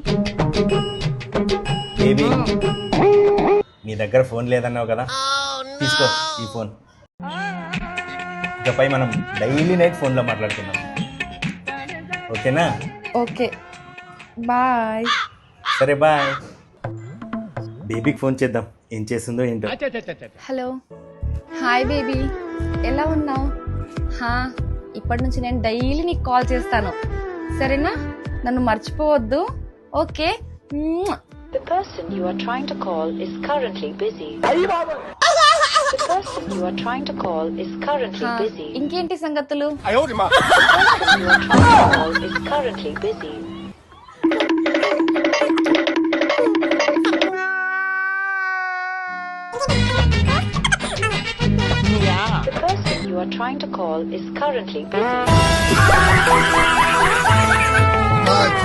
Baby నీ దగ్గర phone లేదన్నావు కదా, తీసుకో ఈ ఫోన్. ఇకపై మనం డైలీ నైట్ ఫోన్లో మాట్లాడుకుందాం, ఓకేనా? Okay bye. సరే బాయ్. బేబీకి ఫోన్ చేద్దాం, ఏం చేస్తుందో ఏంటో. హలో హాయ్ బేబీ, ఎలా ఉన్నావు? ఇప్పటి నుంచి నేను డైలీ నీకు కాల్ చేస్తాను, సరేనా? నన్ను మర్చిపోవద్దు, okay? The person you are trying to call is currently busy. The person you are trying to call is currently busy. ఇంకేంటి సంగతులు? The person you are trying to call is currently busy. The person you are trying to call is currently busy.